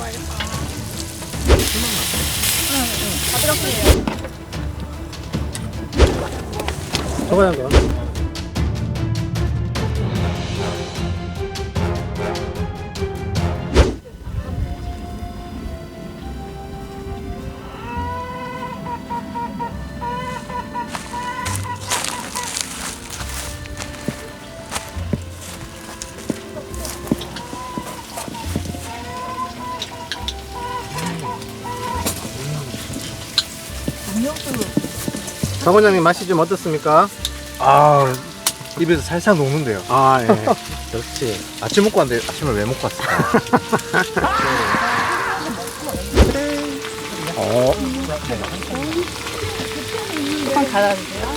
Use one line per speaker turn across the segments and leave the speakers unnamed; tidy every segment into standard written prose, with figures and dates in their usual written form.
먹어봐야겠다.
다 들었어요.
저거야 그거. 박 원장님 맛이 좀 어떻습니까?
아, 입에서 살살 녹는데요.
아 예. 그렇지.
아침 먹고 왔는데 아침을 왜 먹고 왔을까?
어.
한번 달아주세요.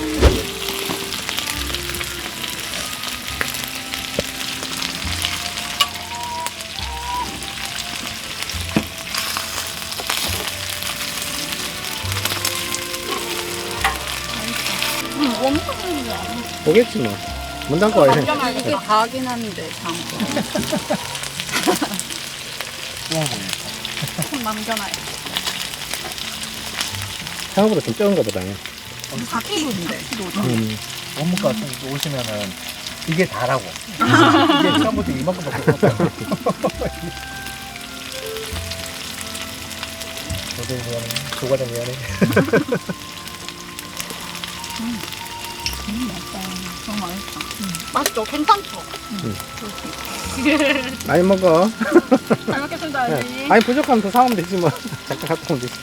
원판은
오겠지 뭐. 문 닫고 와야 돼.
이게 다긴 한데 참. 좀 남겨놔요.
생각보다 좀 적은가 보다.
바퀴인데.
원무과 같은 데 오시면은 이게 다라고. 이게 처음부터 이만큼밖에 없어요. 저도 미안해. 조과장 미안해.
너무 맛있다. 맛있죠? 괜찮죠?
많이 먹어.
잘 먹겠습니다,
네.
언니.
아니 부족하면 더 사오면 되지 뭐. 잠깐 갔다 오면 되지.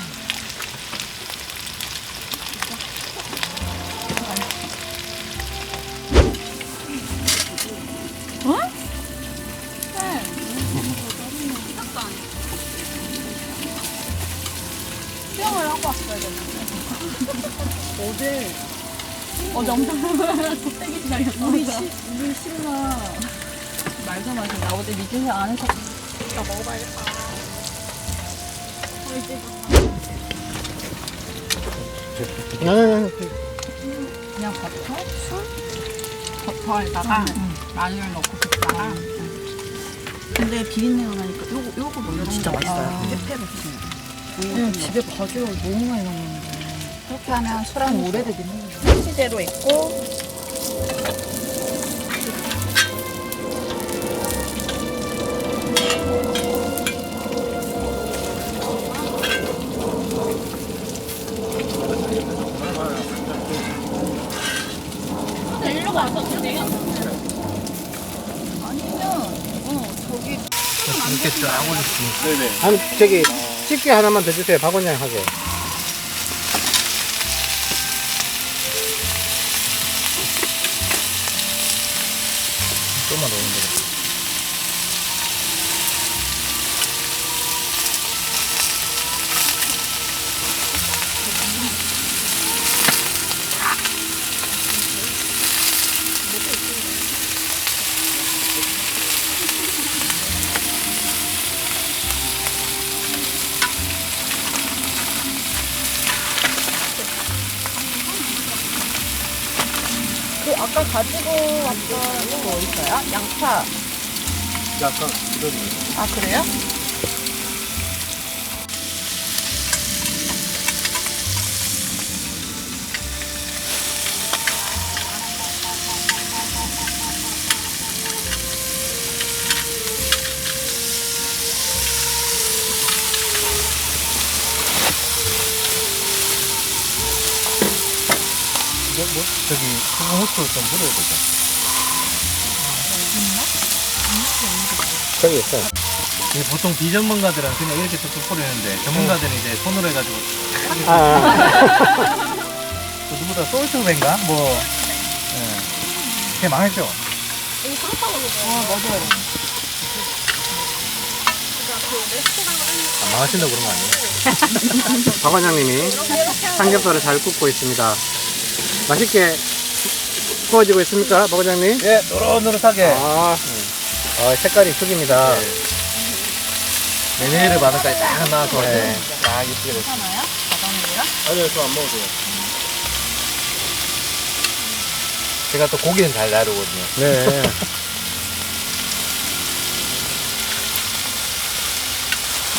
수영을 하고 왔어야 됐는데. 어제 엄청 족대기 기다렸어. 우리 신나. 말도 마시. 나 어제 미진이 안 해서.
나 먹어봐야겠다.
그냥 버터, 술, 버터에다가 마늘 넣고 볶다가. 근데 비린내가 나니까 요거 뭐 이런 진짜 맛있어요. 그냥 집에 바지락 너무 많이 남았는데. 그렇게 하면 술은 오래되긴 해요. 참치재료 있고. 일로 가서 그냥 아니면 저기
이렇게 쫙 올리시면. 네네.
아니 저기 집게 하나만 더 주세요. 박 원장 하게.
좀만 넣으면 되겠다.
그 아까 가지고 왔던 거 어디 있어요? 양파.
약간 기다리고.
아 그래요?
뭐, 저기, 소금 후추를 좀 뿌려야 되죠.
저기 있어.
이게 보통 비전문가들은 그냥 이렇게 뚝뚝 뿌리는데, 전문가들은 이제 손으로 해가지고,
아.
또 누구다 솔트맨가? 뭐, 예. 그게 망했죠.
맞아요.
안 망하신다고 그런 거 아니에요?
박 원장님이 삼겹살을 잘 굽고 있습니다. 맛있게 구워지고 있습니까, 박 원장님?
예, 노릇노릇하게.
색깔이 죽입니다.
메뉴를 바늘까지 딱 나와서
네.
딱 예쁘게 됐어요.
괜찮아요? 바닥물이랑?
아니요, 저 안 먹어도 돼요. 제가 또 고기는 잘 다루거든요.
네.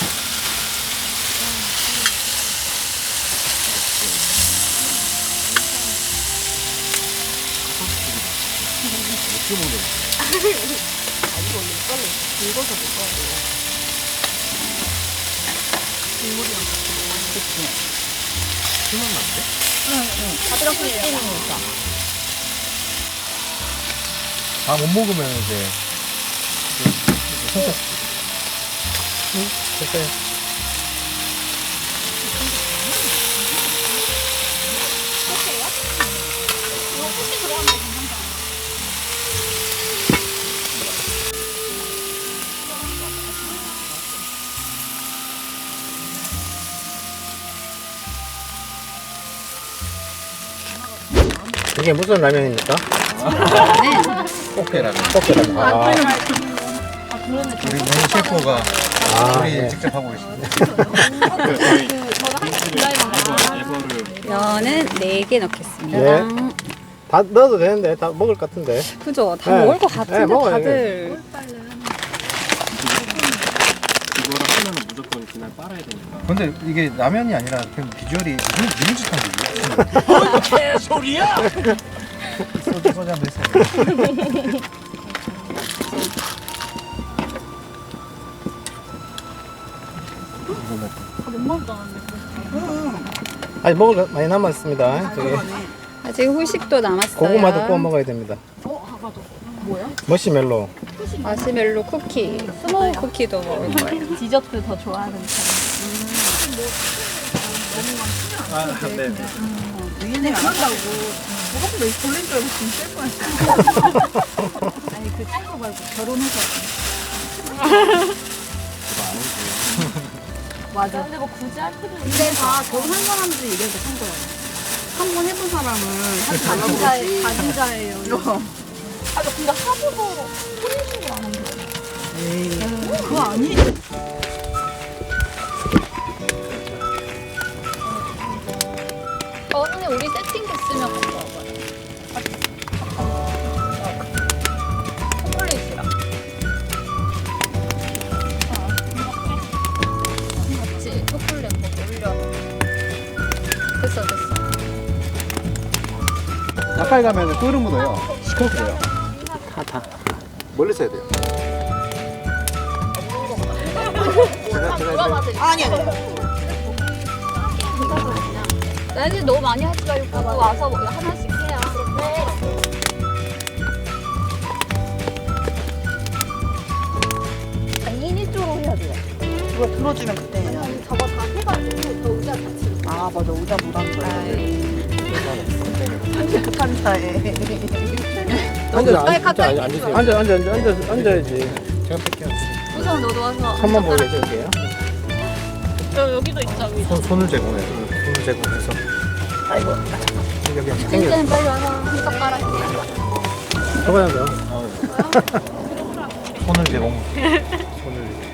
긁어서 먹어야 국물이랑 같이 먹어야 돼.
술만 나는데?
밥이랑 같이 먹으니까.
다 못 먹으면 이제 손톱
됐어요. 이게 무슨 라면입니까?
꽃게라면.
꽃게라면. 아,
우리 메인 셰프가
아,
우리
네.
직접 하고 있습니다.
면은 4개 넣겠습니다.
네. 다 넣어도 되는데 다 먹을 것 같은데.
그죠? 다
네.
먹을 것 같은데
네, 먹어요,
다들.
이거를 하면은 무조건 그날 빨아야 되니까.
근데 이게 라면이 아니라 그냥 비주얼이 미니짓한 게
개소리야!
소주 한잔 했어요.
아니 먹을 거 많이 남았습니다. 저기
아직 후식도 남았어요.
고구마도 구워 먹어야 됩니다. 머시멜로.
마시멜로 쿠키, 스모우 쿠키도 먹을 거예요.
디저트 더 좋아하는 사람.
아, 네.
얘네 안 한다고. 저것도 내 돌린 줄 알고 지금 쓸 뻔했어. 아니 그 친구 말고 결혼해서. 맞아. 근데 뭐 굳이 할 필요는. 근데 다 결혼한 사람들이 얘기해서 한 거야. 한 번 해본 사람은 하지 말라고 그러지. 가진자예요. 아 근데 하고서 혼인신고 안 한다. 에이. 그거 아니?
저번에 우리 세팅 됐으면 갖고 와봐요. 초콜릿이랑. 같이 초콜릿 먹고 올려. 됐어.
가까이 가면 끓으 묻어요. 시커먼요.
다.
멀리서 해야 돼요.
아니.
나는 너무 많이 하지 말고 와서 하나씩 해요.
미니 쪽으로 해야 돼요. 누가 들어주면 그때 해야 돼.
저거 다 해가지고 저 의자 같이.
아 맞아 의자 못한 거야. 현실 급한 스타일.
앉아야지. 제가 뺄게요.
우선 너도 와서.
손만 보게 해줄게요.
여기도 있죠.
손을 제공해. 손을 제공해서.
아이고. 여기 챙겨.
진짜는 빨리 와서 한 젓가락.
저거야 너.
손을 제공. 손을.